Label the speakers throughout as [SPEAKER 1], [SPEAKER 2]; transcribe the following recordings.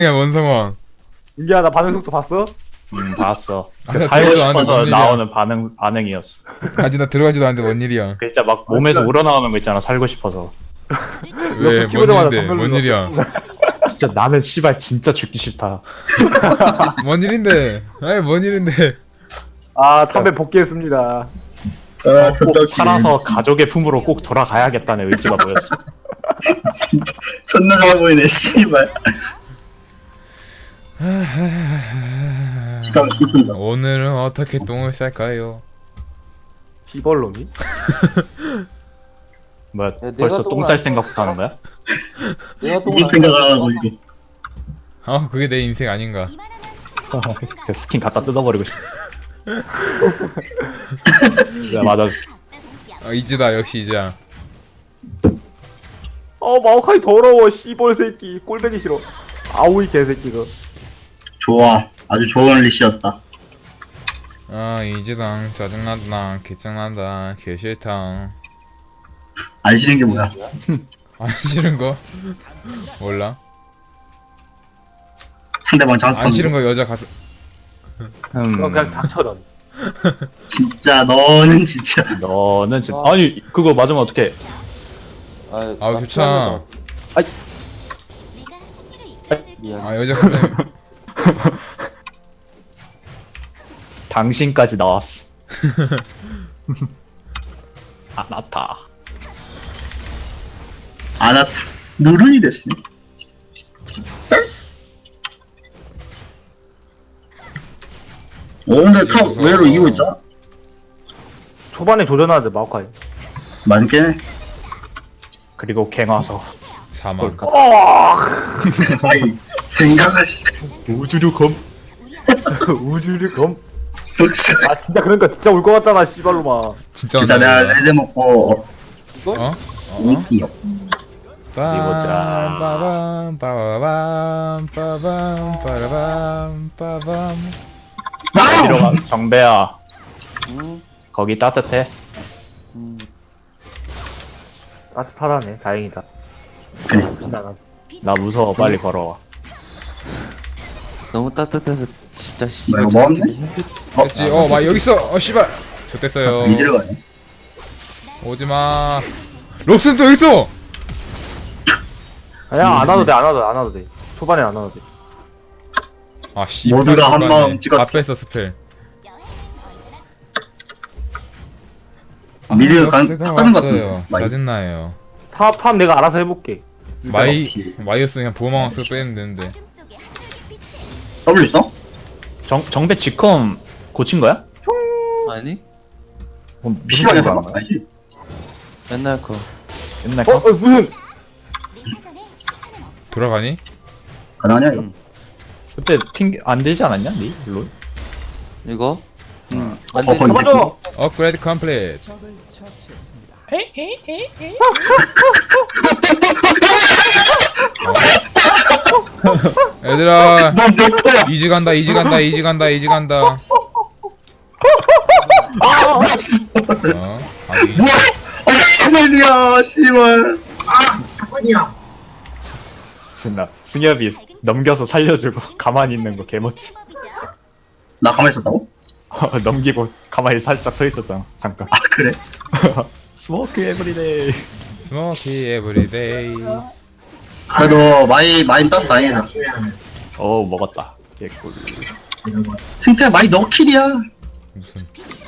[SPEAKER 1] 야 원성원.
[SPEAKER 2] 민기야 나 반응 속도 봤어?
[SPEAKER 3] 봤어.
[SPEAKER 1] 아,
[SPEAKER 3] 그
[SPEAKER 1] 나
[SPEAKER 3] 살고
[SPEAKER 1] 들어가지도 않는데
[SPEAKER 3] 싶어서
[SPEAKER 1] 뭔 일이야.
[SPEAKER 3] 나오는 반응이었어.
[SPEAKER 1] 아직 나 들어가지도 않는데 뭔 일이야?
[SPEAKER 3] 그 진짜 막 몸에서 우러나오는 거 있잖아. 살고 싶어서.
[SPEAKER 1] 왜? 뭔
[SPEAKER 2] 키보드마다
[SPEAKER 1] 일인데?
[SPEAKER 2] 선별로
[SPEAKER 1] 뭔 일이야?
[SPEAKER 3] 진짜 나는 씨발 진짜 죽기 싫다.
[SPEAKER 1] 뭔 일인데? 아이 뭔 일인데?
[SPEAKER 2] 아 담배 복귀했습니다.
[SPEAKER 3] 꼭 살아서 가족의 품으로 꼭 돌아가야겠다는 의지가 보였어.
[SPEAKER 4] 진짜 존나 잘 보이네 씨발. 시간 춤춘다.
[SPEAKER 1] 오늘은 어떻게 똥을 쌀까요?
[SPEAKER 2] 시벌놈이?
[SPEAKER 3] 뭐야
[SPEAKER 5] 내가
[SPEAKER 3] 벌써
[SPEAKER 5] 똥을
[SPEAKER 3] 똥 쌀
[SPEAKER 5] 안
[SPEAKER 3] 생각부터 하는 거야?
[SPEAKER 5] 내가 또
[SPEAKER 4] 무슨 생각을 하고 이게.
[SPEAKER 1] 그게 내 인생 아닌가?
[SPEAKER 3] 진짜 스킨 갖다 뜯어버리고 싶어. 야 맞아.
[SPEAKER 1] 이지다 역시 이지야.
[SPEAKER 2] 마오카이 더러워 시벌 새끼 꼴배기 싫어. 아우이 개새끼가.
[SPEAKER 4] 좋아. 아주 좋은 리시였다.
[SPEAKER 1] 이지당 짜증난다 개짱난다 개 싫다.
[SPEAKER 4] 안 싫은 게 뭐야?
[SPEAKER 1] 안 싫은 거? 몰라.
[SPEAKER 4] 상대방 장수.
[SPEAKER 1] 안 싫은 거 여자 가서
[SPEAKER 2] 너 그냥 닥쳐 넌.
[SPEAKER 4] 진짜 너는 진짜.
[SPEAKER 3] 너는 진짜 아니 그거 맞으면 어떡해?
[SPEAKER 1] 아 좋잖아.
[SPEAKER 5] 미안.
[SPEAKER 1] 여자 가서
[SPEAKER 3] 당신까지 나왔어. 아나타.
[SPEAKER 4] 아나 누른이 됐어. 근데 탑 외로 이기고 있잖아.
[SPEAKER 2] 초반에 조전하자 마오카이.
[SPEAKER 4] 많게.
[SPEAKER 3] 그리고 갱와서
[SPEAKER 1] 사망.
[SPEAKER 4] 아이 생각을.
[SPEAKER 3] 우주류 검.
[SPEAKER 2] 우주리 검.
[SPEAKER 4] 쑥스.
[SPEAKER 2] 아 진짜 그러니까 진짜 올 것 같잖아 씨발로마.
[SPEAKER 1] 진짜
[SPEAKER 4] 진짜 내가
[SPEAKER 1] 온다,
[SPEAKER 4] 레드 먹고
[SPEAKER 1] 어?
[SPEAKER 4] 이기요.
[SPEAKER 3] 이거자.
[SPEAKER 1] 빠밤 빠바밤 빠밤 빠라밤 빠밤.
[SPEAKER 3] 어디로 가? 정배야.
[SPEAKER 5] 음,
[SPEAKER 3] 거기 따뜻해.
[SPEAKER 2] 따뜻하다네 다행이다.
[SPEAKER 4] 그래.
[SPEAKER 2] 나가.
[SPEAKER 3] 나 무서워. 빨리 걸어와.
[SPEAKER 5] 너무 따뜻해서 진짜 씨.
[SPEAKER 4] 뭐 이거 뭐 없네?
[SPEAKER 1] 됐지. 막 여기 있어. 씨발. 좋댔어요.
[SPEAKER 4] 미드를 가네.
[SPEAKER 1] 오지마. 록슨 또 여기 있어.
[SPEAKER 2] 아니야 안 와도 돼 안 와도 돼. 초반에 안 와도 돼.
[SPEAKER 1] 씨.
[SPEAKER 4] 모두가 한 마음 찍었지.
[SPEAKER 1] 다 뺐어 스펠.
[SPEAKER 4] 미드 간
[SPEAKER 1] 록스가
[SPEAKER 4] 깎는 것
[SPEAKER 1] 왔어요.
[SPEAKER 4] 같은데. 많이.
[SPEAKER 1] 짜증나요.
[SPEAKER 2] 탑 내가 알아서 해볼게.
[SPEAKER 1] 마이어스 그냥 보호망 쓰고 빼면 되는데.
[SPEAKER 4] W 있어?
[SPEAKER 3] 정배 지컴 고친 거야?
[SPEAKER 5] 아니?
[SPEAKER 3] 무슨
[SPEAKER 4] 시간에
[SPEAKER 3] 소리가
[SPEAKER 4] 해봐.
[SPEAKER 3] 안 나요?
[SPEAKER 4] 알지?
[SPEAKER 5] 맨날 거.
[SPEAKER 3] 옛날 거?
[SPEAKER 2] 무슨
[SPEAKER 1] 돌아가니?
[SPEAKER 4] 가능하냐 이거?
[SPEAKER 3] 그때 안 되지 않았냐? 니? 롤?
[SPEAKER 5] 이거? 응. 안
[SPEAKER 4] 어,
[SPEAKER 5] 돼.
[SPEAKER 4] 건지.
[SPEAKER 2] 잡아줘.
[SPEAKER 1] 업그레이드 컴플릿. 얘들아
[SPEAKER 4] 넌내 거야.
[SPEAKER 1] 이지 간다 이지 간다 이지 간다 이지 간다. 아니
[SPEAKER 4] 뭐야? 아니야, 씨발.
[SPEAKER 3] 신나. 승엽이 넘겨서 살려주고 가만히 있는 거 개멋지.
[SPEAKER 4] 나 가만히 있었다고?
[SPEAKER 3] 넘기고 가만히 살짝 서 있었잖아. 잠깐.
[SPEAKER 4] 아 그래?
[SPEAKER 3] 스모크 에브리데이.
[SPEAKER 1] 스모키 에브리데이.
[SPEAKER 4] 그래도 많이 따서 다행이다.
[SPEAKER 3] 먹었다. 개꿀.
[SPEAKER 4] 승태 많이 너킬이야.
[SPEAKER 1] 무슨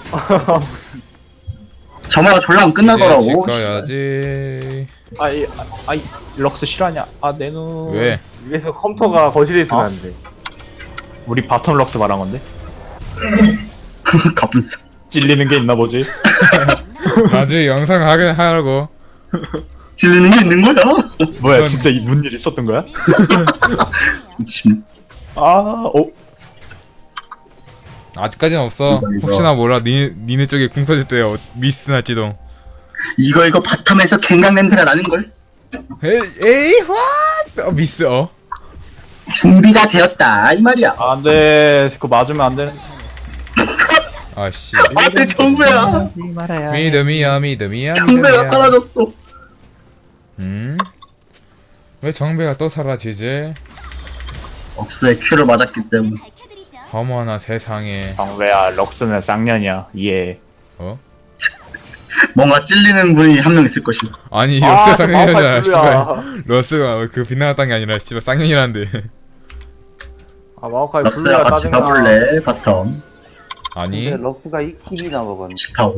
[SPEAKER 4] 정말 졸라 안 끝나더라고.
[SPEAKER 1] 찍어야지.
[SPEAKER 3] 아이 럭스 실화냐? 내 눈.
[SPEAKER 1] 왜?
[SPEAKER 2] 위에서 컴퓨터가 거실에 있으면 안 돼.
[SPEAKER 3] 우리 바텀 럭스 말한 건데?
[SPEAKER 4] 가분싸.
[SPEAKER 3] 찔리는 게 있나 보지?
[SPEAKER 1] 나중에 영상 하라고.
[SPEAKER 4] 질리는 게 있는 거야?
[SPEAKER 3] 뭐야
[SPEAKER 1] 전-
[SPEAKER 3] 진짜 뭔 일 있었던 거야?
[SPEAKER 4] 미친.
[SPEAKER 1] 아직까지는 없어.
[SPEAKER 4] 이거.
[SPEAKER 1] 혹시나 몰라. 니네 쪽에 궁 써질 때 미스 날지도.
[SPEAKER 4] 이거 바텀에서 갱강 냄새가 나는 걸.
[SPEAKER 1] 에이 화 미스
[SPEAKER 4] 준비가 되었다 이 말이야.
[SPEAKER 3] 안돼. 그거 맞으면 안 돼.
[SPEAKER 1] 아씨.
[SPEAKER 4] 안돼 정배야.
[SPEAKER 1] 믿음이야 믿음이야
[SPEAKER 4] 정배가 사라졌어.
[SPEAKER 1] 왜 정배가 또 사라지지?
[SPEAKER 4] 억수의 큐를 맞았기 때문에.
[SPEAKER 1] 어머나 세상에.
[SPEAKER 3] 정배야 럭스는 쌍년이야. 예.
[SPEAKER 1] 어?
[SPEAKER 4] 뭔가 찔리는 분이 한 명 있을 것이고.
[SPEAKER 1] 아니
[SPEAKER 2] 아,
[SPEAKER 1] 역사 쌍년이잖아.
[SPEAKER 2] 마우카이 블루야.
[SPEAKER 1] 씨발. 러스가 그 빗나갔던 게 아니라 씨발 쌍년이란데.
[SPEAKER 2] 아 마오카이
[SPEAKER 4] 럭스야
[SPEAKER 2] 블루야
[SPEAKER 4] 같이
[SPEAKER 2] 짜증나.
[SPEAKER 4] 가볼래? 바텀.
[SPEAKER 1] 아니
[SPEAKER 5] 럭스가 이 킬이나 먹었네.
[SPEAKER 4] 싫다고.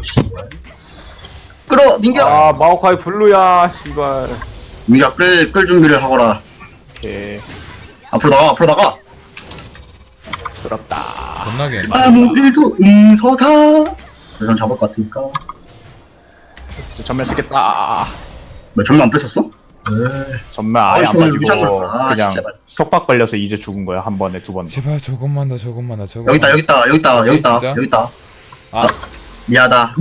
[SPEAKER 4] 끌어 민규.
[SPEAKER 2] 아 마오카이 블루야 씨발.
[SPEAKER 4] 민규 끌 준비를 하거라.
[SPEAKER 3] 예.
[SPEAKER 4] 앞으로 나가.
[SPEAKER 3] 부럽다.
[SPEAKER 1] 겁나게.
[SPEAKER 4] 아무데도 응서다. 그럼 잡을 것 같으니까.
[SPEAKER 3] 전멸 쓰겠다.
[SPEAKER 4] 왜 전면 안 뺐었어? 에이.
[SPEAKER 3] 전멸 아예 안
[SPEAKER 4] 아이씨, 유산을
[SPEAKER 3] 빠지고
[SPEAKER 4] 봐.
[SPEAKER 3] 그냥
[SPEAKER 4] 제발.
[SPEAKER 3] 속박 걸려서 이제 죽은 거야. 한 번에 두 번.
[SPEAKER 1] 제발 조금만 더 조금만 더 조금.
[SPEAKER 4] 여기 있다.
[SPEAKER 1] 진짜?
[SPEAKER 4] 여기 있다.
[SPEAKER 1] 아
[SPEAKER 4] 미안하다.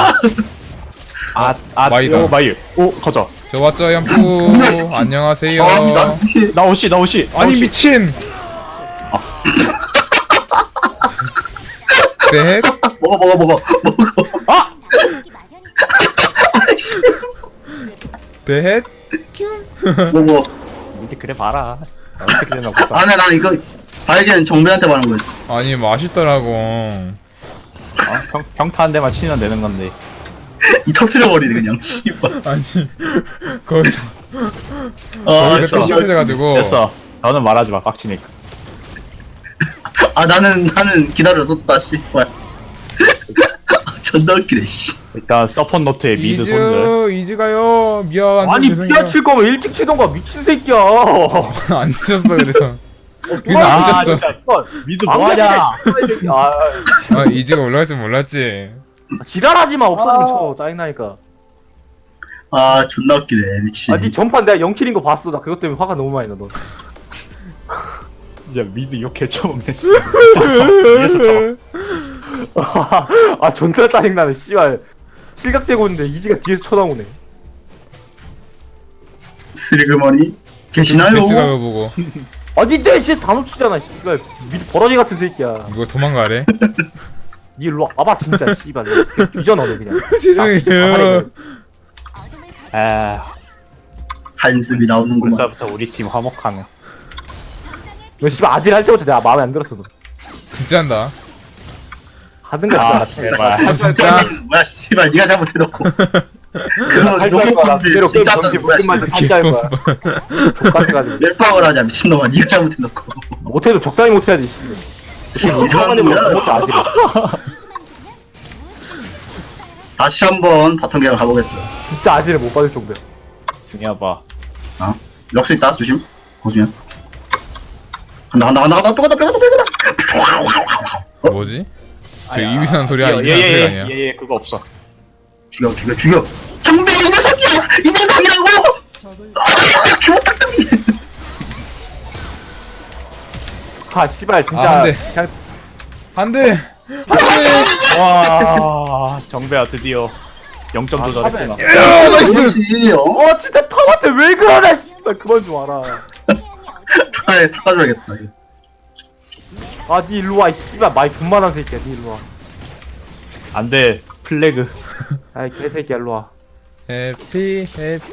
[SPEAKER 1] 마이다.
[SPEAKER 3] 오 마이. 오 커져.
[SPEAKER 1] 저 왔죠 연프. 안녕하세요.
[SPEAKER 3] 나 오시.
[SPEAKER 1] 아니 미친. 네.
[SPEAKER 4] 먹어.
[SPEAKER 1] 네.
[SPEAKER 4] 먹어.
[SPEAKER 3] 이제 그래 봐라. 어떻게 되나 보자.
[SPEAKER 4] 안에 나 이거 발견 정배한테 말한 거였어.
[SPEAKER 1] 아니 맛있더라고.
[SPEAKER 3] 평타 한 대만 치면 되는 건데.
[SPEAKER 4] 이 터트려버리네 그냥. 씨발.
[SPEAKER 1] 아니 거기서
[SPEAKER 4] 아,
[SPEAKER 1] 거기서 또 시원해가지고.
[SPEAKER 3] 됐어. 너는 말하지 마. 빡치니까.
[SPEAKER 4] 아 나는 기다렸었다 씨발. 존나 웃기네 씨.
[SPEAKER 3] 일단 서폿 노트에 미드 손들.
[SPEAKER 1] 이즈 가요. 미안.
[SPEAKER 2] 아니
[SPEAKER 1] 죄송해요.
[SPEAKER 2] 피아 칠 거면 일찍 치던가 미친 새끼야.
[SPEAKER 1] 안 쳤어 그래서. 그래서 안 쳤어.
[SPEAKER 2] 진짜.
[SPEAKER 3] 미드
[SPEAKER 2] 안
[SPEAKER 3] 뭐하냐?
[SPEAKER 2] 가시네, 아
[SPEAKER 1] 아 이즈가 올라갈 줄 몰랐지.
[SPEAKER 2] 지랄하지 마 없어지면 쳐 짜증나니까.
[SPEAKER 4] 아 존나 웃기네 미친.
[SPEAKER 2] 아니 전판 내가 0킬인 거 봤어. 나 그것 때문에 화가 너무 많이 나 너.
[SPEAKER 3] 진짜 미드 욕 개쳐먹네. 씨. 위에서 쳐.
[SPEAKER 2] 아 존나 짜증나네 씨발. 실각 제고인데 이지가 뒤에서 쳐다보네.
[SPEAKER 4] 스리그머니
[SPEAKER 1] 베스가
[SPEAKER 4] 계시나요?
[SPEAKER 1] 그거 보고
[SPEAKER 2] 아니 내 CS 다 놓치잖아 씨발. 미드 버러지 같은 새끼야.
[SPEAKER 1] 이거 도망가래.
[SPEAKER 2] 니 일로 와봐 진짜 씨발. 뒤져 너네 그냥.
[SPEAKER 1] 죄송해요.
[SPEAKER 3] 아,
[SPEAKER 4] 한숨이 나오는구만.
[SPEAKER 3] 벌써부터 우리 팀 화목하네.
[SPEAKER 2] 너 씨발 아직 할 때부터 내가 마음에 안 들었어 너.
[SPEAKER 1] 진짜 한다.
[SPEAKER 2] 하든가
[SPEAKER 3] 아,
[SPEAKER 2] 씨발.
[SPEAKER 3] 제발.
[SPEAKER 1] 아, 진짜.
[SPEAKER 4] 뭐야 씨발 네가 잘못해놓고. 그거
[SPEAKER 2] 할줄 거야. 나 그대로 게임
[SPEAKER 4] 진짜
[SPEAKER 2] 정지
[SPEAKER 4] 뭐야
[SPEAKER 2] 묶음만
[SPEAKER 4] 씨발.
[SPEAKER 2] 탈줄 알 거야. 똑같아가지고.
[SPEAKER 4] 랩방을 하자 미친놈아 네가 잘못해놓고.
[SPEAKER 2] 못해도 적당히 못해야지. 이상한 뭐 못해 아직.
[SPEAKER 4] 다시 한번 바텀 계약 가보겠어요.
[SPEAKER 2] 진짜 아지를 못 받을 정도야.
[SPEAKER 3] 승희야봐.
[SPEAKER 4] 럭스 있다 조심. 거주면. 간다 또 간다.
[SPEAKER 1] 뭐지? 저 이비사는 소리 아니야? 이비사는 소리 아니야?
[SPEAKER 3] 예예 그거 없어.
[SPEAKER 4] 죽여. 정배 이 녀석이야. 이 녀석이라고. 기모탁담이.
[SPEAKER 2] 아 씨발 진짜.
[SPEAKER 1] 아, 안 돼.
[SPEAKER 2] 그냥
[SPEAKER 1] 안돼.
[SPEAKER 3] 와 정배야 드디어 0점 도전했구나.
[SPEAKER 1] 야 나이스.
[SPEAKER 4] 그렇지.
[SPEAKER 2] 진짜 탑한테 왜 그러냐 씨발 그만 좀 와라.
[SPEAKER 4] 닦아줘야겠다.
[SPEAKER 2] 니 일로 와 이 씨발 많이 분만한 새끼야 니 일로 와.
[SPEAKER 3] 안돼 플래그.
[SPEAKER 2] 아이 개새끼야 일로 와.
[SPEAKER 1] 해피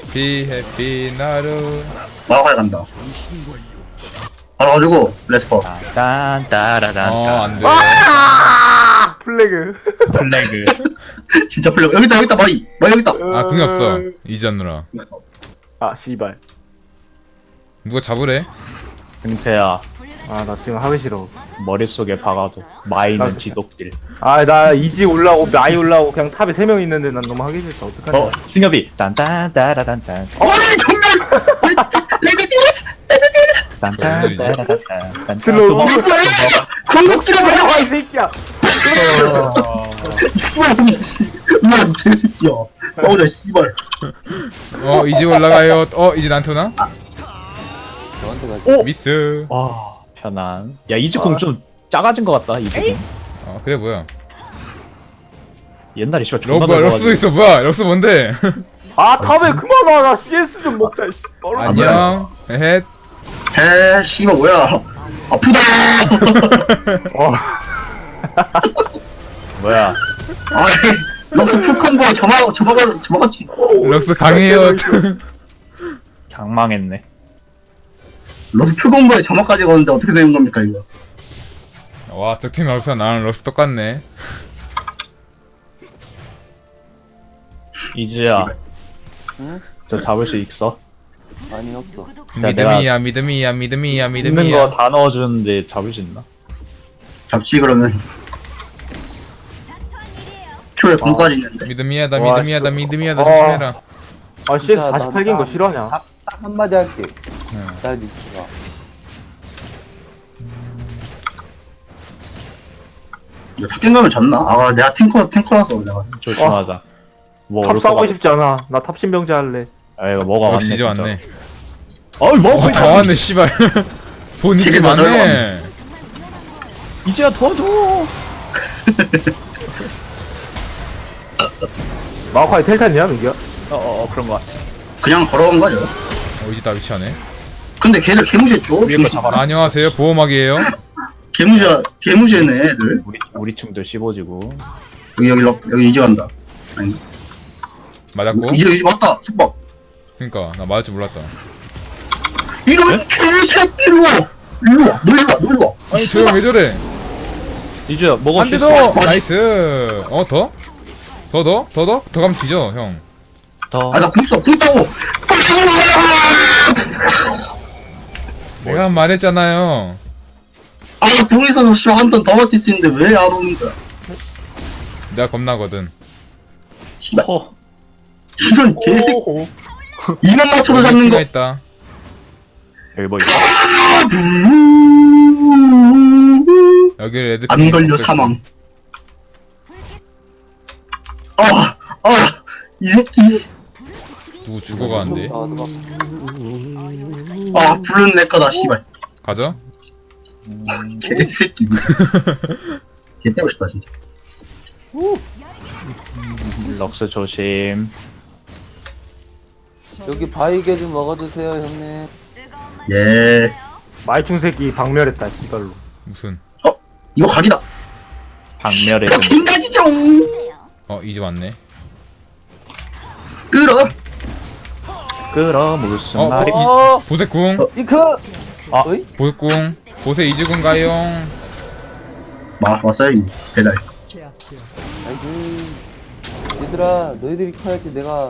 [SPEAKER 1] 나루.
[SPEAKER 4] 마가에 간다. 바로 가지고 레스퍼.
[SPEAKER 3] 딴따라단.
[SPEAKER 1] 안돼.
[SPEAKER 2] 플래그.
[SPEAKER 3] 플래그.
[SPEAKER 4] 진짜 풀려. 여기 있다 마이 여기 있다.
[SPEAKER 1] 아 그게 없어. 이지 않느라.
[SPEAKER 2] 아 씨발.
[SPEAKER 1] 누가 잡으래?
[SPEAKER 3] 승태야
[SPEAKER 2] 나 지금 하기 싫어.
[SPEAKER 3] 머릿속에 박아도 마이는 지독딜.
[SPEAKER 2] 나 이지 올라오고 마이 올라오고 그냥 탑에 3명 있는데 난 너무 하기 싫다. 어떡하냐.
[SPEAKER 3] 승엽이 딴딴따라단딴.
[SPEAKER 4] 아니 정말.
[SPEAKER 3] 딴딴따라단딴.
[SPEAKER 2] 슬로우.
[SPEAKER 4] 궁극기로
[SPEAKER 2] 왜 나와 이 새끼야.
[SPEAKER 4] 씨발 뭐야 이 개새끼야. 싸우자 씨발.
[SPEAKER 1] 이제 올라가요. 이제 나한테 오나?
[SPEAKER 5] 너한테 가지.
[SPEAKER 3] 오!
[SPEAKER 1] 미스.
[SPEAKER 3] 와 편안. 야 이즈콩 좀 작아진 것 같다 이즈콩.
[SPEAKER 1] 그래 뭐야?
[SPEAKER 3] 옛날에 씨발 존나
[SPEAKER 1] 럭스도 있어. 뭐야? 럭스 뭔데?
[SPEAKER 2] 탑에 그만 와. 나 CS 좀 먹자. 씨.
[SPEAKER 1] 안녕. 에헷.
[SPEAKER 4] 해 씨발 뭐야. 아프다.
[SPEAKER 3] 뭐야?
[SPEAKER 4] 아이 럭스 풀컨보가 저마같이.
[SPEAKER 1] 럭스 강해요.
[SPEAKER 3] 강망했네.
[SPEAKER 4] 러스 풀공부에 점화까지 거는데 어떻게 되는 겁니까 이거?
[SPEAKER 1] 와, 저 팀 러스와 나랑 러스 똑같네.
[SPEAKER 3] 이지야,
[SPEAKER 5] 응?
[SPEAKER 3] 저 잡을 수 있어?
[SPEAKER 5] 아니 없어.
[SPEAKER 3] 자, 내가
[SPEAKER 1] 믿음이야.
[SPEAKER 3] 있는 거 다 넣어주는데 잡을 수 있나?
[SPEAKER 4] 잡지 그러면. 초에 공까지 있는데.
[SPEAKER 1] 믿음이야,
[SPEAKER 2] 와,
[SPEAKER 1] 조심해라.
[SPEAKER 2] 아 CS 48개인 거 싫어하냐?
[SPEAKER 5] 딱 한마디 할게.
[SPEAKER 1] 응.
[SPEAKER 5] 잘 믿지마.
[SPEAKER 4] 이거 탑갱 가면 졌나? 아 내가 탱커라서 내가.
[SPEAKER 3] 조심하자. 뭐
[SPEAKER 2] 탑
[SPEAKER 3] 올
[SPEAKER 2] 싸우고
[SPEAKER 3] 거가
[SPEAKER 2] 싶지 않아. 나 탑신병자 할래.
[SPEAKER 3] 아 이거 뭐가
[SPEAKER 1] 역시
[SPEAKER 3] 왔네
[SPEAKER 1] 이제
[SPEAKER 3] 진짜.
[SPEAKER 1] 왔네.
[SPEAKER 3] 어이 뭐가
[SPEAKER 1] 다 왔네, 씨발. 보니까
[SPEAKER 4] 세계 다
[SPEAKER 1] 많네.
[SPEAKER 3] 이지야 도와줘.
[SPEAKER 2] 마오카이 텔탄이야 민기야?
[SPEAKER 3] 그런 거 같아.
[SPEAKER 4] 그냥 걸어간 거죠.
[SPEAKER 1] 이제 다 위치하네.
[SPEAKER 4] 근데 걔들 개무시했죠?
[SPEAKER 3] 위에 거 잡아라.
[SPEAKER 1] 안녕하세요, 보호막이에요.
[SPEAKER 4] 개무시했네 애들.
[SPEAKER 3] 우리 충들 씹어지고.
[SPEAKER 4] 여기 이제 간다. 아니
[SPEAKER 1] 맞았고.
[SPEAKER 4] 이제 왔다. 속박.
[SPEAKER 1] 그니까, 나 맞을 줄 몰랐다.
[SPEAKER 4] 이런 개새끼 일로 와. 일로 와. 너 일로 와.
[SPEAKER 1] 아니, 저 형 왜 저래?
[SPEAKER 3] 이지야 먹을
[SPEAKER 1] 한
[SPEAKER 3] 수
[SPEAKER 1] 대
[SPEAKER 3] 있어.
[SPEAKER 1] 더! 나이스! 더? 더 가면 뒤져, 형.
[SPEAKER 3] 더.
[SPEAKER 4] 아나 궁 따고.
[SPEAKER 1] 내가 말했잖아요.
[SPEAKER 4] 아궁 있어서 씨발 한 턴 더 버틸 수 있는데 왜 안 오는 거야?
[SPEAKER 1] 내가 겁나거든.
[SPEAKER 4] 씨발
[SPEAKER 3] 허.
[SPEAKER 4] 이런 개새끼.
[SPEAKER 3] 오.
[SPEAKER 4] 2만 맞춰서 잡는 거.
[SPEAKER 1] 있다.
[SPEAKER 3] 여기 뭐 있어?
[SPEAKER 1] 여기 애들.
[SPEAKER 4] 안 걸려 사망. 이 새끼.
[SPEAKER 1] 누구 죽어가는데.
[SPEAKER 4] 불은 내 거다 씨발.
[SPEAKER 1] 가자.
[SPEAKER 4] 개새끼. 개 때고 싶다 진짜.
[SPEAKER 3] 럭스 조심.
[SPEAKER 5] 여기 바위게 좀 먹어주세요 형님.
[SPEAKER 4] 예.
[SPEAKER 2] 말충 새끼 박멸했다 이걸로.
[SPEAKER 1] 무슨.
[SPEAKER 4] 이거 각이다.
[SPEAKER 3] 박멸의
[SPEAKER 4] 야, 빈각이죠.
[SPEAKER 1] 이제 왔네.
[SPEAKER 3] 끌어 무슨
[SPEAKER 1] 어,
[SPEAKER 3] 말이?
[SPEAKER 1] 보색궁.
[SPEAKER 5] 이크.
[SPEAKER 3] 아.
[SPEAKER 5] 어이?
[SPEAKER 1] 보색궁. 보세 이즈궁 가용.
[SPEAKER 4] 왔어요 이 배달.
[SPEAKER 5] 아이고. 얘들아 너희들이 커야지 내가.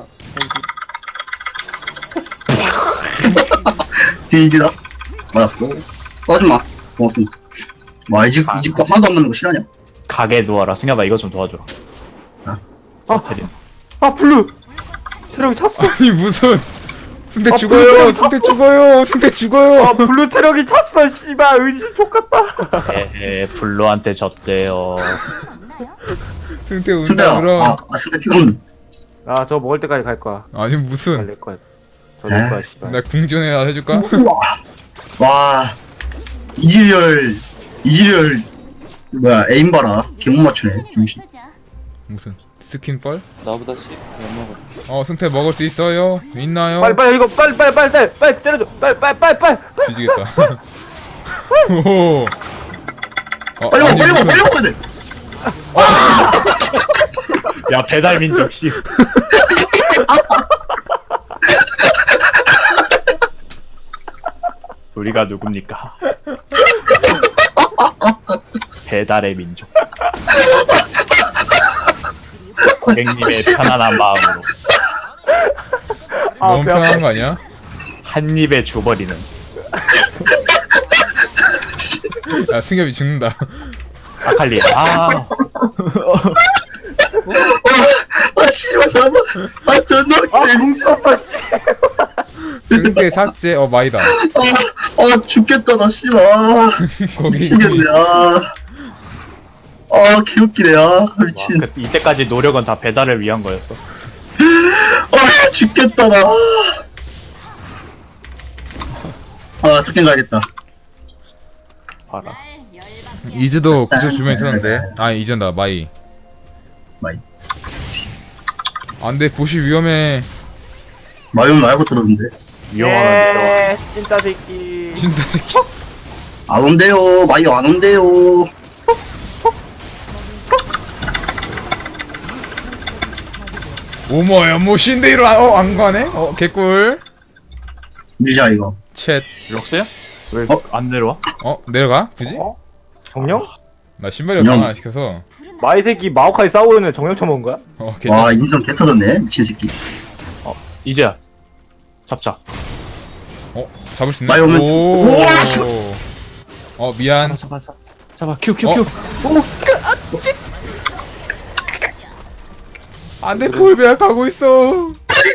[SPEAKER 4] 뒤지다. 맞았고. 꺼지마. 고맙습니다. 이 집거 하나도 안 맞는 거 싫어하냐?
[SPEAKER 3] 가게 누워라. 승엽아 이거 좀 도와줘.
[SPEAKER 2] 아.
[SPEAKER 3] 테린.
[SPEAKER 2] 블루. 체력이 찼어.
[SPEAKER 1] 아니, 무슨. 승태
[SPEAKER 2] 불쌍해.
[SPEAKER 1] 죽어요. 승태 죽어요.
[SPEAKER 2] 블루 체력이 찼어 씨발 은신 족같다.
[SPEAKER 3] 블루한테 졌대요.
[SPEAKER 1] 승태 운다,
[SPEAKER 4] 순대야.
[SPEAKER 1] 그럼.
[SPEAKER 4] 순대 피곤.
[SPEAKER 2] 아 저 먹을 때까지 갈 거야.
[SPEAKER 1] 아니, 무슨.
[SPEAKER 2] 내 거야. 저 내 거야 씨발.
[SPEAKER 1] 나 궁전에 해줄까?
[SPEAKER 4] 우와. 와. 이지열. 뭐야 에임 봐라. 개못 맞추네. 중심.
[SPEAKER 1] 무슨. 스킨뻘?
[SPEAKER 5] 나보다 씨. 못 먹어.
[SPEAKER 1] 승태 먹을 수 있어요? 있나요?
[SPEAKER 2] 빨리 이거 빨리 때려줘. 빨리.
[SPEAKER 1] 뒤지겠다. 오.
[SPEAKER 4] 빨리
[SPEAKER 1] 아니,
[SPEAKER 4] 먹어
[SPEAKER 1] 무슨-
[SPEAKER 4] 빨리 먹어야 돼.
[SPEAKER 3] 야 배달 민족 씨. 우리가 누굽니까? 배달의 민족. 고객님의 편안한 마음으로
[SPEAKER 1] 너무
[SPEAKER 2] 배 아파.
[SPEAKER 1] 편한 거 아니야?
[SPEAKER 3] 한 입에 줘버리는.
[SPEAKER 1] 야, 승엽이 죽는다.
[SPEAKER 3] 아칼리.
[SPEAKER 4] 씨발 잘못. 존나
[SPEAKER 2] 궁 썼어 씨.
[SPEAKER 1] 승태 삭제. 마이다.
[SPEAKER 4] 죽겠다 나 씨발.
[SPEAKER 1] 거기.
[SPEAKER 4] 미치겠네. 개웃기네. 미친.
[SPEAKER 3] 이때까지 노력은 다 배달을 위한 거였어.
[SPEAKER 4] 죽겠다 나. 석경 가야겠다.
[SPEAKER 3] 봐라.
[SPEAKER 1] 이즈도 그쪽 주변에 있었는데. 이즈다, 마이. 안돼, 보시 위험해.
[SPEAKER 4] 마용 말고 들었는데.
[SPEAKER 3] 위험하면
[SPEAKER 2] 진짜 새끼.
[SPEAKER 1] 진짜 새끼.
[SPEAKER 4] 안 온대요. 마이 안 온대요.
[SPEAKER 1] 오모야, 신데이로 안 가네? 개꿀.
[SPEAKER 4] 밀자 이거.
[SPEAKER 1] 챗.
[SPEAKER 3] 럭스야? 왜 안 내려와?
[SPEAKER 1] 내려가? 그지?
[SPEAKER 2] 어? 정령?
[SPEAKER 1] 나 신발이
[SPEAKER 4] 그냥-
[SPEAKER 1] 강화 안 시켜서.
[SPEAKER 2] 마이 새끼 마오카이 싸우는 정령 쳐먹은 거야?
[SPEAKER 1] 괜찮아.
[SPEAKER 4] 와 인성 개 터졌네 미친 새끼.
[SPEAKER 3] 이제야. 잡자.
[SPEAKER 1] 잡을 수 있네.
[SPEAKER 4] 마이 오면
[SPEAKER 1] 오. 미안.
[SPEAKER 3] 잡아. 큐.
[SPEAKER 1] 안돼 콜베야 가고 있어.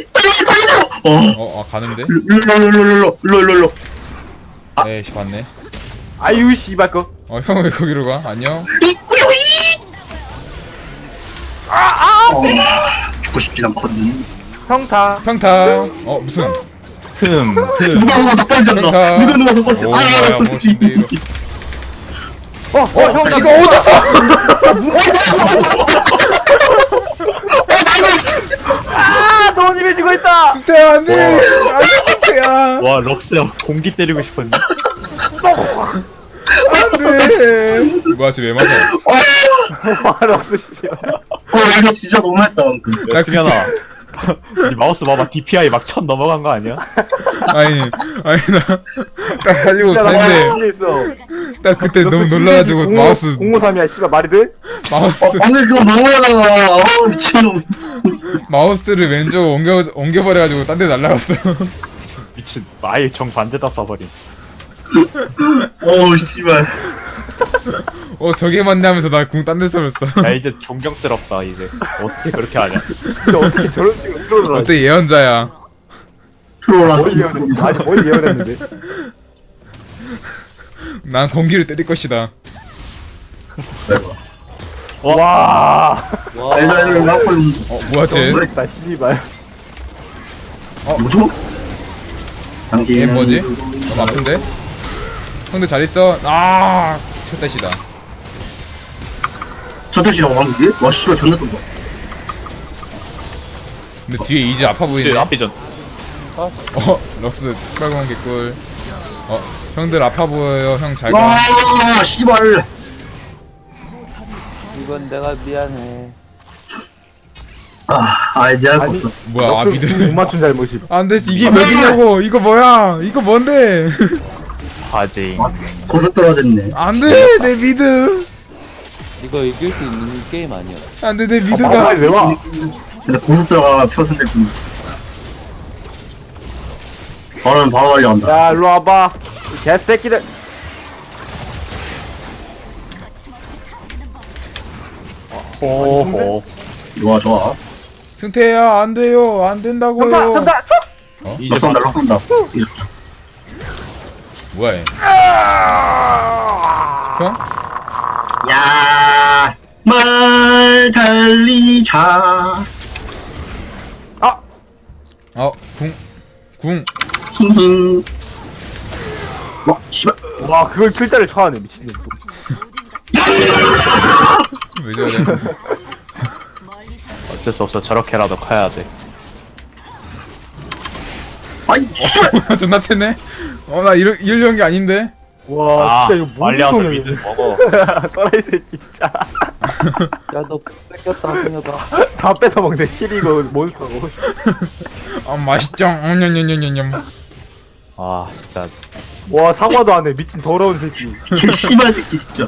[SPEAKER 4] 어
[SPEAKER 1] 가는데?
[SPEAKER 4] 룰룰룰룰룰룰룰룰.
[SPEAKER 1] 에이씨 봤네.
[SPEAKER 2] 아유 씨발 거.
[SPEAKER 1] 형 왜 거기로 가? 안녕.
[SPEAKER 4] 죽고 싶진 않거든.
[SPEAKER 2] 평타.
[SPEAKER 1] 평타. 무슨?
[SPEAKER 4] 누가 더 빨리 잡나?
[SPEAKER 1] 평타.
[SPEAKER 4] 누가 더 빨리?
[SPEAKER 1] 오, 뭐야, 멋있는데, 이거.
[SPEAKER 2] 형
[SPEAKER 1] 이거 어디서?
[SPEAKER 2] 너무 힘해지고 있다.
[SPEAKER 1] 승태야 안돼. 안돼 승태야.
[SPEAKER 3] 와 럭스야 공기 때리고 싶었네.
[SPEAKER 1] 안돼. 뭐야 쟤왜 맞아?
[SPEAKER 2] 말없어 씨발.
[SPEAKER 4] 이거 진짜 너무했다 방금.
[SPEAKER 3] 야 승현아. 네 마우스 봐봐 DPI 막 1000 넘어간 거 아니야?
[SPEAKER 1] 아니 나딱 가지고
[SPEAKER 2] 진짜 나
[SPEAKER 1] 갔는데
[SPEAKER 2] 말없어 있어.
[SPEAKER 1] 딱 그때 너무 놀라가지고 마우스
[SPEAKER 2] 053이야 씨발 말이 돼?
[SPEAKER 4] 방금 그거 너무하잖아. 미친놈.
[SPEAKER 1] 마우스를 왼쪽 옮겨버려가지고 딴 데 날라갔어.
[SPEAKER 3] 미친. 아예 정반대다 써버린.
[SPEAKER 4] 씨발.
[SPEAKER 1] 저게 맞네 하면서 나 궁 딴 데 쏘였어.
[SPEAKER 3] 야 이제 존경스럽다 이제. 어떻게 그렇게 하냐?
[SPEAKER 2] 진짜 어떻게 저런 식으로 트롤을 하지?
[SPEAKER 1] 어때 예언자야.
[SPEAKER 4] 트롤라.
[SPEAKER 2] 뭘 예언했는데? 아니 뭘 예언했는데?
[SPEAKER 1] 난 공기를 때릴 것이다.
[SPEAKER 2] 와.
[SPEAKER 5] 와.
[SPEAKER 4] 애들 나고
[SPEAKER 1] 뭐야 쟤?
[SPEAKER 2] 멋있다 씨발.
[SPEAKER 4] 뭐죠? 당신.
[SPEAKER 1] 얘 뭐지? 너무 아픈데? 형들 잘 있어? 첫 대시다.
[SPEAKER 4] 저 뜻이라고 한 게? 와 씨발 존나 뜬다.
[SPEAKER 1] 근데 뒤에 이제 아파
[SPEAKER 3] 이제
[SPEAKER 1] 보이네.
[SPEAKER 3] 앞비전.
[SPEAKER 1] 럭스 빨간 개꿀. 형들 아파 보여요. 형 잘 가.
[SPEAKER 4] 와 씨발.
[SPEAKER 5] 이건 내가 미안해.
[SPEAKER 4] 내가 할 거
[SPEAKER 2] 아니,
[SPEAKER 4] 없어.
[SPEAKER 1] 뭐야
[SPEAKER 2] 못
[SPEAKER 1] 미드.
[SPEAKER 2] 맞춘 잘못이.
[SPEAKER 1] 안돼 이게 몇이냐고. 이거 뭐야? 이거 뭔데?
[SPEAKER 3] 화제.
[SPEAKER 4] 고스 떨어졌네.
[SPEAKER 1] 안돼 내 미드.
[SPEAKER 5] 이거 이길 수 있는 게임 아니야.
[SPEAKER 1] 안돼 내 미드가.
[SPEAKER 2] 마오카이 왜 와?
[SPEAKER 4] 근데 고스 들어가 표선될 뿐이지. 바로는 바로 달려간다.
[SPEAKER 2] 야 일로 와봐. 이 개새끼들.
[SPEAKER 3] 호호.
[SPEAKER 4] 좋아.
[SPEAKER 1] 승태야 안 돼요. 안 된다고요.
[SPEAKER 2] 평타.
[SPEAKER 3] 이제
[SPEAKER 4] 럭선다 럭선다.
[SPEAKER 1] 뭐야 얘? 형?
[SPEAKER 4] 야, 말 달리자.
[SPEAKER 1] 궁.
[SPEAKER 4] 힝힝. 와, 씨발.
[SPEAKER 2] 와 그걸 킬 때를 쳐하네 미친놈.
[SPEAKER 1] 왜 저래?
[SPEAKER 3] 어쩔 수 없어. 저렇게라도 커야 돼.
[SPEAKER 4] 아이, 씨발.
[SPEAKER 1] 존나 패네. 나 이러려는 게 아닌데.
[SPEAKER 2] 와 진짜 이거
[SPEAKER 3] 빨리 와서
[SPEAKER 2] 무슨
[SPEAKER 3] 미드
[SPEAKER 2] 소리야.
[SPEAKER 3] 먹어.
[SPEAKER 2] 또라이 새끼 진짜.
[SPEAKER 5] 야너 뺏겼다 승혁아.
[SPEAKER 2] 다 뺏어먹네. 킬이고 몬스터고.
[SPEAKER 1] 맛있죠. 냠냠냠냠냠.
[SPEAKER 3] 아 진짜.
[SPEAKER 2] 와 사과도 안 해. 미친 더러운 새끼.
[SPEAKER 4] 개 씨발 새끼 진짜.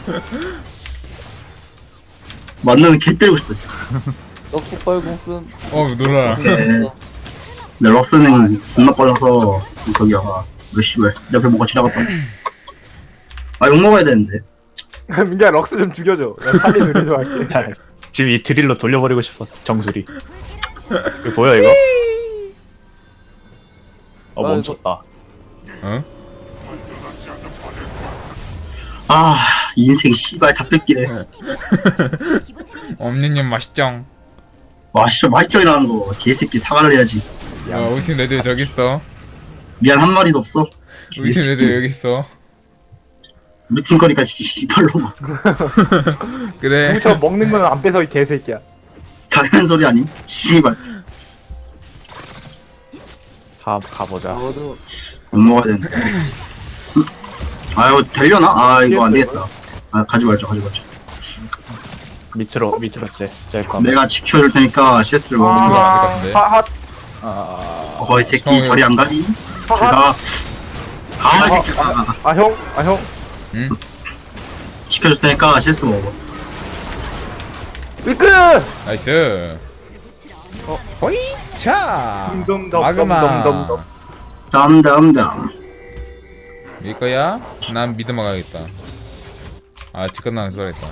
[SPEAKER 4] 만나면 개 때리고 싶어. 진짜.
[SPEAKER 5] 너 폭발공 쓴.
[SPEAKER 1] 놀라라.
[SPEAKER 4] 네. 내 럭스는 존나 빨라서 저기야. 왜 씨발. 내 앞에 뭐가 지나갔다. 욕 먹어야 되는데.
[SPEAKER 2] 민기야 럭스 좀 죽여줘. 나 살리 누리 좀 할게.
[SPEAKER 3] 지금 이 드릴로 돌려버리고 싶어. 정수리. 이거 보여 이거? 멈췄다.
[SPEAKER 4] 이 인생 씨발 다 뺏기네.
[SPEAKER 1] 엄니님 맛있죠.
[SPEAKER 4] 와, 씨발 맛있죠 이라는 거. 개새끼 사과를 해야지.
[SPEAKER 1] 우리 팀 레드 저기 있어.
[SPEAKER 4] 미안 한 마리도 없어.
[SPEAKER 1] 우리 팀 레드 여기 있어.
[SPEAKER 4] 우리 팀 거니까 씨발로 막
[SPEAKER 1] 그래.
[SPEAKER 2] 누구처럼 먹는 거는 안 뺏어 이 개새끼야.
[SPEAKER 4] 당연한 소리 아님? 씨발.
[SPEAKER 3] 가보자.
[SPEAKER 5] 너도
[SPEAKER 4] 못 먹어야 되는데. 이거 되려나? 이거 안 되겠다. 가지 말자.
[SPEAKER 3] 밑으로 짤 거.
[SPEAKER 4] 내가 지켜줄 테니까 CS를
[SPEAKER 1] 그거
[SPEAKER 4] 먹어.
[SPEAKER 1] 안될것 같은데.
[SPEAKER 2] 하핫.
[SPEAKER 4] 거의 새끼
[SPEAKER 1] 성우요.
[SPEAKER 4] 저리 안 가니?
[SPEAKER 2] 하핫.
[SPEAKER 4] 제가 아, 진짜.
[SPEAKER 2] 형.
[SPEAKER 1] 응?
[SPEAKER 4] 지켜줄 테니까 실수 먹어.
[SPEAKER 2] 위크!
[SPEAKER 1] 나이스. 호이차.
[SPEAKER 2] 덤덤덤,
[SPEAKER 1] 마그마.
[SPEAKER 2] 덤덤덤.
[SPEAKER 4] 담담담.
[SPEAKER 1] 일 거야? 난 미드 막아야겠다. 아, 직권 나는 써야겠다.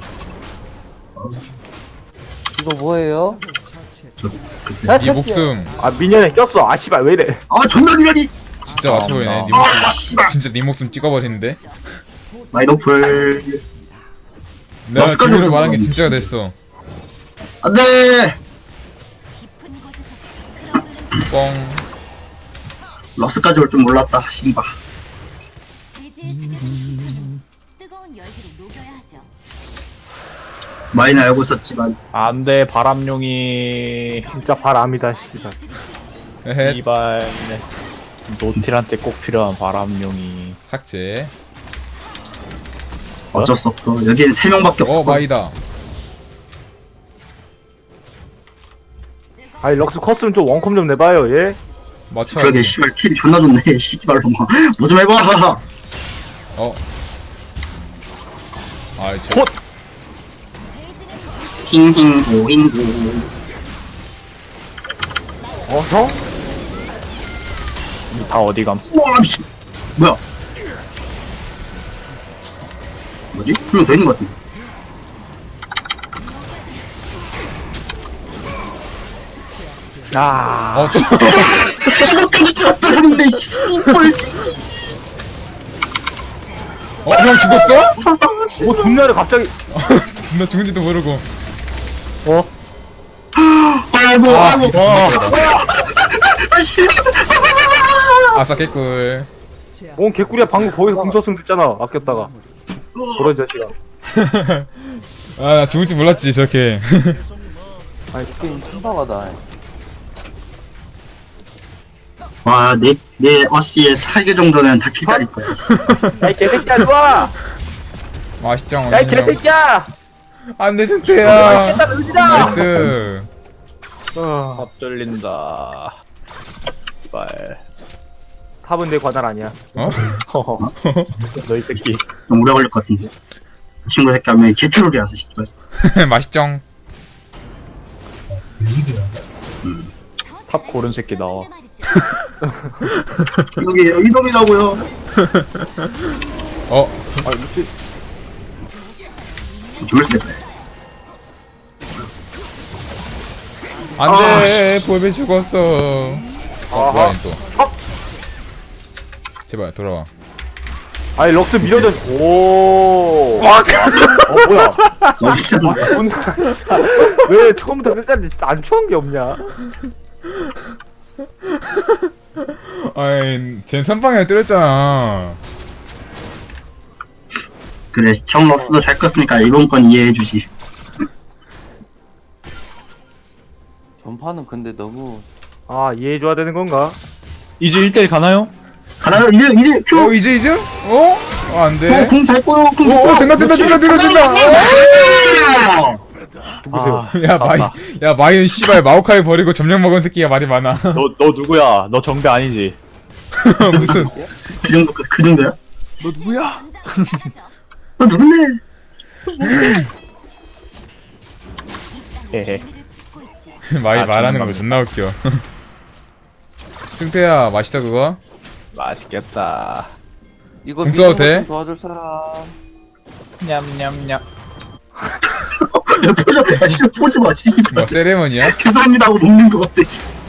[SPEAKER 5] 이거 뭐예요?
[SPEAKER 4] 글쎄.
[SPEAKER 1] 네 목숨
[SPEAKER 2] 아, 미니언에 꼈어. 아, 씨발, 왜 이래.
[SPEAKER 4] 아, 존나 미련이.
[SPEAKER 1] 진짜 맞춰 보이네. 네
[SPEAKER 4] 아,
[SPEAKER 1] 목숨
[SPEAKER 4] 씨발.
[SPEAKER 1] 진짜 네 목숨 찍어버리는데.
[SPEAKER 4] 마이너풀.
[SPEAKER 1] 내가
[SPEAKER 4] 마스카를
[SPEAKER 1] 지금으로
[SPEAKER 4] 좀
[SPEAKER 1] 말한 게
[SPEAKER 4] 먹어야지.
[SPEAKER 1] 진짜가 됐어.
[SPEAKER 4] 안돼.
[SPEAKER 1] 뻥.
[SPEAKER 4] 러스까지 올 줄 몰랐다. 씨발.
[SPEAKER 6] 뜨거운 열기를 녹여야 하죠.
[SPEAKER 4] 많이 알고 있었지만
[SPEAKER 3] 안돼 바람용이
[SPEAKER 2] 진짜 바람이다, 씨발.
[SPEAKER 1] 에헤.
[SPEAKER 3] 이발 노틸한테 꼭 필요한 바람용이.
[SPEAKER 1] 삭제.
[SPEAKER 4] 어쩔 수 없어. 여기엔 3명밖에 없어.
[SPEAKER 1] 마이다.
[SPEAKER 2] 아니, 럭스 컸으면 좀 원컴 좀 내봐요, 예?
[SPEAKER 1] 맞춰.
[SPEAKER 4] 그러게 씨발 킬이 존나 좋네. 씨발로 막. 뭐 좀 해봐.
[SPEAKER 1] 어. 아, 저.
[SPEAKER 4] 힝힝고 힝고.
[SPEAKER 2] 형?
[SPEAKER 3] 다 어디감?
[SPEAKER 4] 우와 미친. 뭐야? 뭐지? 한 명 더 있는 것 같은데.
[SPEAKER 2] 아,
[SPEAKER 1] 또.
[SPEAKER 4] 이거까지 잡았는데 씨발.
[SPEAKER 1] 형 죽었어?
[SPEAKER 2] 뭐 존나를 갑자기.
[SPEAKER 1] 나 죽은지도 모르고.
[SPEAKER 4] 아이고 아이고.
[SPEAKER 1] 아싸 개꿀.
[SPEAKER 2] 뭔 개꿀이야, 방금 거기서 궁 썼으면 됐잖아, 아꼈다가. 그런 자식아.
[SPEAKER 1] 아, 나 죽을지 몰랐지 저렇게.
[SPEAKER 5] 아니 게임 신박하다.
[SPEAKER 4] 와, 내 어시에 4개 정도는 다 기다릴 거야.
[SPEAKER 2] 야, 이 개새끼야, 좋아!
[SPEAKER 1] 맛있죠.
[SPEAKER 2] 야, 이 개새끼야!
[SPEAKER 1] 안돼 승태야.
[SPEAKER 2] 깼다, 의지다!
[SPEAKER 1] 나이스.
[SPEAKER 3] 밥 돌린다. 이발.
[SPEAKER 2] 탑은 내 관할 아니야.
[SPEAKER 1] 어?
[SPEAKER 3] 너 이 새끼.
[SPEAKER 4] 좀 오래 걸릴 것 같은데. 친구 새끼 하면 개트롤이라서 씨발.
[SPEAKER 1] 맛있죠.
[SPEAKER 3] 탑 고른 새끼 나와.
[SPEAKER 4] 여기 이놈이라고요.
[SPEAKER 1] 어.
[SPEAKER 2] 아, 미치.
[SPEAKER 4] 죽을 수 있다.
[SPEAKER 1] 안돼. 볼베 죽었어. 뭐야 얘 또. 제발 돌아와.
[SPEAKER 2] 아니, 럭스 밀어져. 오. 뭐야.
[SPEAKER 4] 멋있잖아.
[SPEAKER 2] 존나. 왜 처음부터 끝까지 안 추한 게 없냐?
[SPEAKER 1] 아이, 쟨 선방에 때렸잖아.
[SPEAKER 4] 그래, 형 럭스도 잘 컸으니까 이번 건 이해해주지.
[SPEAKER 5] 전파는 근데 너무
[SPEAKER 2] 아, 이해해줘야 되는 건가?
[SPEAKER 3] 이제 1대1 가나요?
[SPEAKER 4] 하나, 이제 큐!
[SPEAKER 1] 이제? 어? 안돼.
[SPEAKER 4] 궁잘 꼬요, 궁잘 꼬요!
[SPEAKER 1] 된다.
[SPEAKER 2] 누구세요?
[SPEAKER 1] 야
[SPEAKER 3] 쌌다.
[SPEAKER 1] 마이, 야 마이는 씨발 마오카이 버리고 점령 먹은 새끼가 말이 많아.
[SPEAKER 3] 너 누구야? 너 정배 아니지?
[SPEAKER 1] 무슨?
[SPEAKER 4] 그 정도야?
[SPEAKER 3] 너 누구야?
[SPEAKER 4] 너 누군데?
[SPEAKER 3] 헤헤.
[SPEAKER 1] 마이
[SPEAKER 3] 아,
[SPEAKER 1] 말하는 거
[SPEAKER 3] 정말.
[SPEAKER 1] 존나 웃겨. 승태야 맛있다 그거?
[SPEAKER 3] 맛있겠다.
[SPEAKER 5] 이거
[SPEAKER 1] 궁 써도 돼?
[SPEAKER 5] 미니언 도와줄 사람.
[SPEAKER 3] 냠냠냠.
[SPEAKER 4] 야, 표정, 야, 진짜 보지 마, 씨발.
[SPEAKER 1] 뭐 세레머니야?
[SPEAKER 4] 죄송합니다 하고 녹는 것 같아.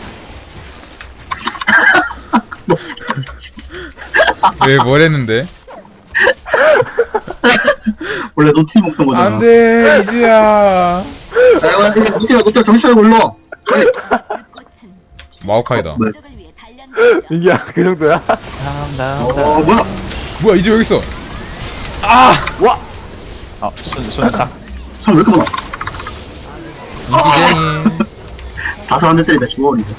[SPEAKER 1] 왜 뭘 했는데?
[SPEAKER 4] 원래 노티 먹던 거잖아.
[SPEAKER 1] 안돼 이지야.
[SPEAKER 4] 야, 노티야, 정신 차리고 일로 와.
[SPEAKER 1] 마오카이다.
[SPEAKER 4] 뭐야?
[SPEAKER 2] 민기야, 그 정도야?
[SPEAKER 4] 뭐야?
[SPEAKER 1] 뭐야 이제 여기 있어?
[SPEAKER 3] 아 순삭.
[SPEAKER 4] 참, 왜 이렇게 많아?
[SPEAKER 1] 인기쟁이.
[SPEAKER 4] 다섯 한 대 때리다 죽어, 이거.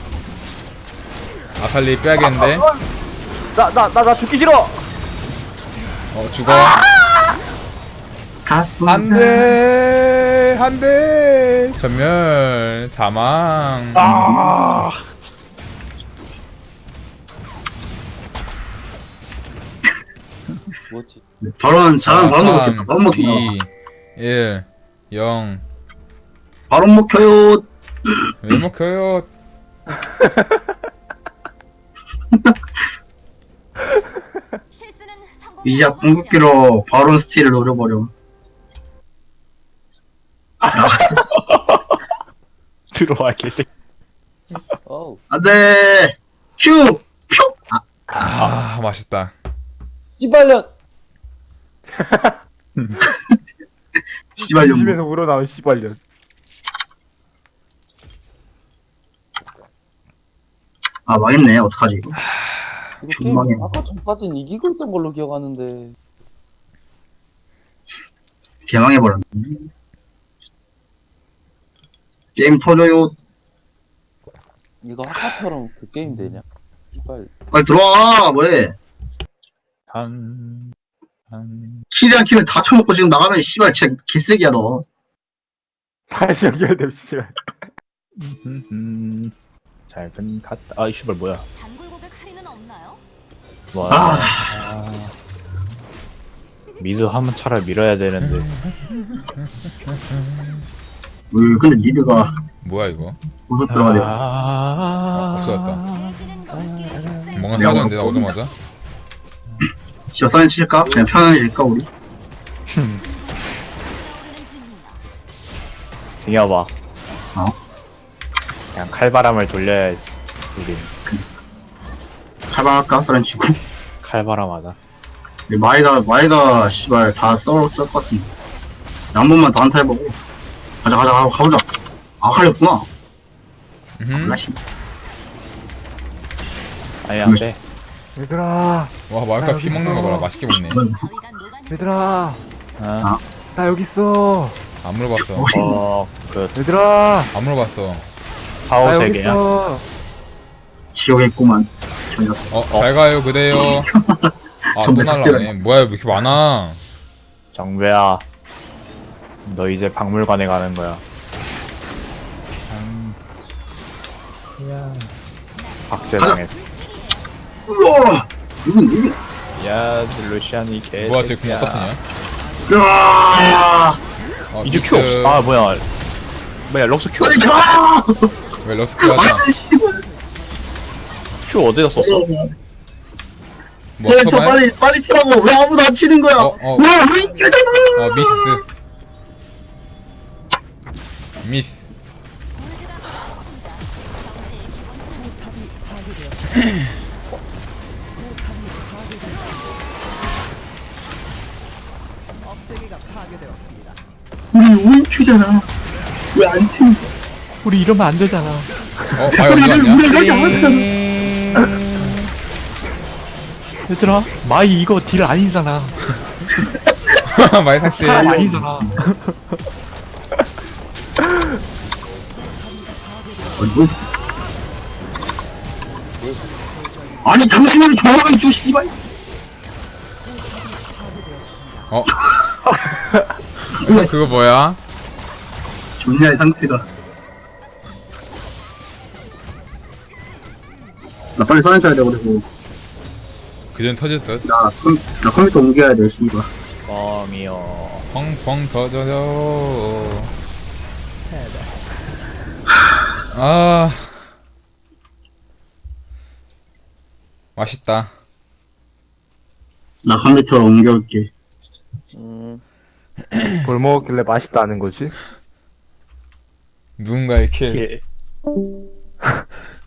[SPEAKER 1] 아칼리 빼야겠는데?
[SPEAKER 2] 나 죽기 싫어!
[SPEAKER 1] 죽어.
[SPEAKER 4] 가슴.
[SPEAKER 1] 한대 전멸 사망.
[SPEAKER 5] 뭐지?
[SPEAKER 4] 바로는 잘하면 바로 먹겠다. 바로 먹힌다.
[SPEAKER 1] 2, 1, 0.
[SPEAKER 4] 바로 먹혀요.
[SPEAKER 1] 왜 먹혀요?
[SPEAKER 6] 실수는 성공의
[SPEAKER 4] 이제
[SPEAKER 6] 어머니잖아.
[SPEAKER 4] 궁극기로 바론 스틸을 노려버려. 나갔어.
[SPEAKER 3] 들어와 개새끼.
[SPEAKER 5] 어우.
[SPEAKER 4] 안돼. 큐. 표.
[SPEAKER 1] 아, 맛있다.
[SPEAKER 5] 씨발년!
[SPEAKER 4] 씨발 좀.
[SPEAKER 2] 심심해서 우러나온 씨발년.
[SPEAKER 4] 아 망했네. 어떡하지 이거.
[SPEAKER 5] 이거 게임
[SPEAKER 4] 존망해.
[SPEAKER 5] 아까 전까진 이기고 있던 걸로 기억하는데.
[SPEAKER 4] 개망해버렸네. 게임 터져요.
[SPEAKER 5] 이거 아까처럼 그 게임 되냐? 씨발.
[SPEAKER 4] 빨리 들어와. 뭐해.
[SPEAKER 3] 한
[SPEAKER 4] 킬이랑 킬을 다 쳐먹고 지금 나가면 씨발 진짜 개쓰레기야 너.
[SPEAKER 2] 다시 연결돼 씨발.
[SPEAKER 3] 잘근 갔다. 아, 이 씨발 뭐야?
[SPEAKER 6] 단골 고객 할인은 없나요?
[SPEAKER 3] 와.
[SPEAKER 4] 아.
[SPEAKER 3] 미드 한번 차라리 밀어야 되는데.
[SPEAKER 4] 근데 니드가
[SPEAKER 1] 뭐야 이거?
[SPEAKER 4] 무섭 들어가네.
[SPEAKER 1] 없어졌다.
[SPEAKER 6] 내지는 넓게
[SPEAKER 1] 뭔가
[SPEAKER 4] 내가
[SPEAKER 1] 사라졌는데 나
[SPEAKER 4] 오늘
[SPEAKER 1] 오자마자.
[SPEAKER 4] 씨발 사인 칠까? 그냥 편안해질까 우리?
[SPEAKER 6] 떠오르는 중입니다.
[SPEAKER 3] 승여봐.
[SPEAKER 4] 어?
[SPEAKER 3] 그냥 칼바람을 돌려야지. 우린
[SPEAKER 4] 칼바랄까? 사인 치고.
[SPEAKER 3] 칼바람하다.
[SPEAKER 4] 마이가 씨발 다 썰것 같은데. 한 번만 더 한타 해보고. 가보자. 아 칼렸구나. 라시.
[SPEAKER 3] 아니 안 돼.
[SPEAKER 2] 얘들아,
[SPEAKER 1] 와 마이카 피 먹는 거 봐라. 맛있게 먹네.
[SPEAKER 6] 저희가 녹아내는
[SPEAKER 2] 얘들아,
[SPEAKER 3] 아,
[SPEAKER 2] 나 여기 있어.
[SPEAKER 1] 안 물어봤어.
[SPEAKER 3] 그
[SPEAKER 2] 얘들아,
[SPEAKER 1] 안 물어봤어.
[SPEAKER 2] 나 여기
[SPEAKER 3] 사오세계야.
[SPEAKER 2] 있어.
[SPEAKER 4] 지옥에 있구만. 저 녀석.
[SPEAKER 1] 잘 가요 그대요. 아 또
[SPEAKER 4] 전부
[SPEAKER 1] 날라오네. 뭐야 왜 이렇게 많아?
[SPEAKER 3] 정배야. 너 이제 박물관에 가는 거야. 박제당했어.
[SPEAKER 4] 우와! 이건.
[SPEAKER 3] 야, 루시안이 개.
[SPEAKER 1] 뭐야 쟤공 어디다 쓰냐?
[SPEAKER 4] 으아!
[SPEAKER 3] 이제 큐 없어. 아 뭐야? 뭐야 럭스 큐?
[SPEAKER 4] 빨리 가!
[SPEAKER 1] 왜 러스크 하자?
[SPEAKER 4] 아이, 씨발.
[SPEAKER 3] 큐 어디다 썼어?
[SPEAKER 1] 뭐
[SPEAKER 4] 저
[SPEAKER 1] 처음에?
[SPEAKER 4] 빨리 치라고. 왜 아무도 안 치는 거야? 왜 이렇게
[SPEAKER 1] 미스.
[SPEAKER 4] 우리 우인큐잖아. 왜 안 치는 거야?
[SPEAKER 3] 우리 이러면 안 되잖아.
[SPEAKER 1] 마이 어디 갔냐?
[SPEAKER 4] 우리 러시 안 왔잖아.
[SPEAKER 3] 얘들아, 마이 이거 딜 아니잖아.
[SPEAKER 1] 마이 삭제.
[SPEAKER 3] 사람 아니잖아.
[SPEAKER 4] 아니 당신은 조용히 줘 씨발.
[SPEAKER 1] 그거 뭐야?
[SPEAKER 4] 좋냐 이 상태가. 나 빨리 사인 쳐야 돼 그리고.
[SPEAKER 1] 그전 터질 듯.
[SPEAKER 4] 나 컴퓨터 옮겨야 돼 씨발.
[SPEAKER 3] 뻥이요.
[SPEAKER 1] 펑펑 터져요. 아 맛있다.
[SPEAKER 4] 나 컴퓨터로 옮겨올게.
[SPEAKER 2] 뭘 먹었길래 맛있다는 거지?
[SPEAKER 1] 누군가의 킬.
[SPEAKER 3] 예.